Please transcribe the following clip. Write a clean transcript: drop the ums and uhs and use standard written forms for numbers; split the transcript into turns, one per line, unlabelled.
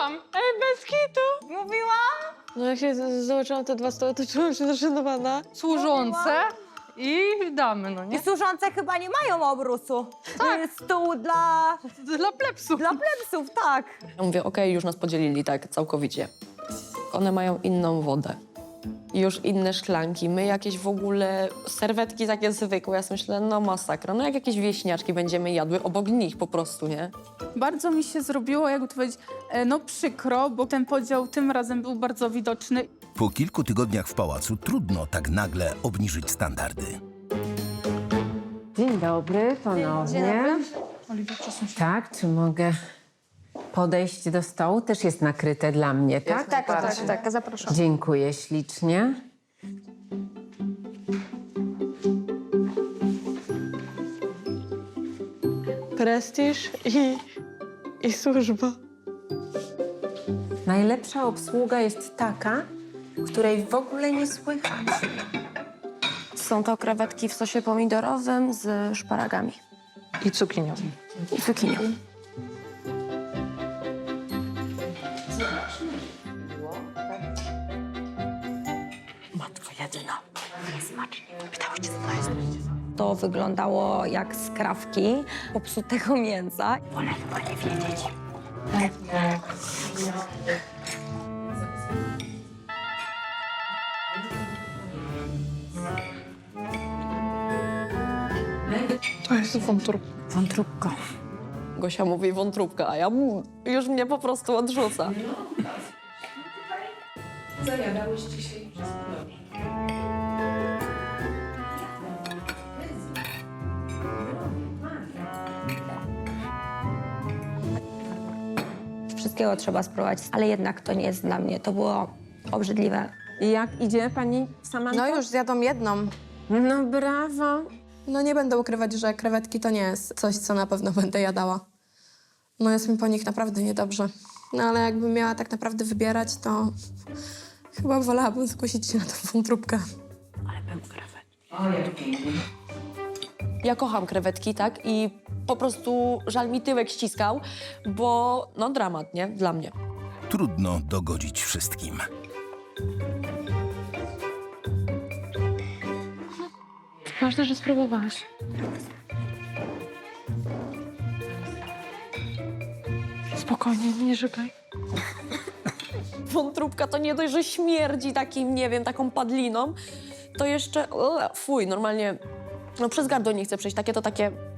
Mówiłam! Ej, bez kitu!
Mówiłam?
No jak się zobaczyłam te 2 stoły, to czułam się zaszanowana.
Służące i damy, no
I
nie?
służące chyba nie mają obrusu. To jest stół dla
Dla plepsów.
plebsów, tak.
Ja mówię, okej, już nas podzielili tak całkowicie. One mają inną wodę. I już inne szklanki, my jakieś w ogóle serwetki takie zwykłe. Ja sobie myślę, no masakra, no jak jakieś wieśniaczki będziemy jadły obok nich po prostu, nie?
Bardzo mi się zrobiło, jakby to powiedzieć, no przykro, bo ten podział tym razem był bardzo widoczny.
Po kilku tygodniach w pałacu trudno tak nagle obniżyć standardy.
Dzień dobry ponownie. Tak, czy mogę podejść do stołu? Też jest nakryte dla mnie, tak?
Tak, zapraszam.
Dziękuję ślicznie.
Prestiż i służba.
Najlepsza obsługa jest taka, której w ogóle nie słychać.
Są to krewetki w sosie pomidorowym z szparagami
I cukinią.
i cukinią. Matko jedyna.
To wyglądało jak skrawki popsutego mięsa.
To jest wątróbka.
Wątróbko.
Gosia mówi wątróbka, a ja już mnie po prostu odrzuca.
Wszystkiego trzeba spróbować, ale jednak to nie jest dla mnie. To było obrzydliwe.
I jak idzie pani Samantha?
No już zjadłam jedną.
No brawo.
No nie będę ukrywać, że krewetki to nie jest coś, co na pewno będę jadała. No jest mi po nich naprawdę niedobrze. No ale jakbym miała tak naprawdę wybierać, to chyba wolałabym skusić się na tą wątróbkę.
Ja kocham krewetki, tak? I po prostu żal mi tyłek ściskał, bo no dramat, nie? Dla mnie.
Trudno dogodzić wszystkim.
Ważne, że spróbowałaś. Spokojnie, nie żygaj.
Wątróbka to nie dość, że śmierdzi takim, nie wiem, taką padliną, to jeszcze, fuj, normalnie, no przez gardło nie chcę przejść, takie to takie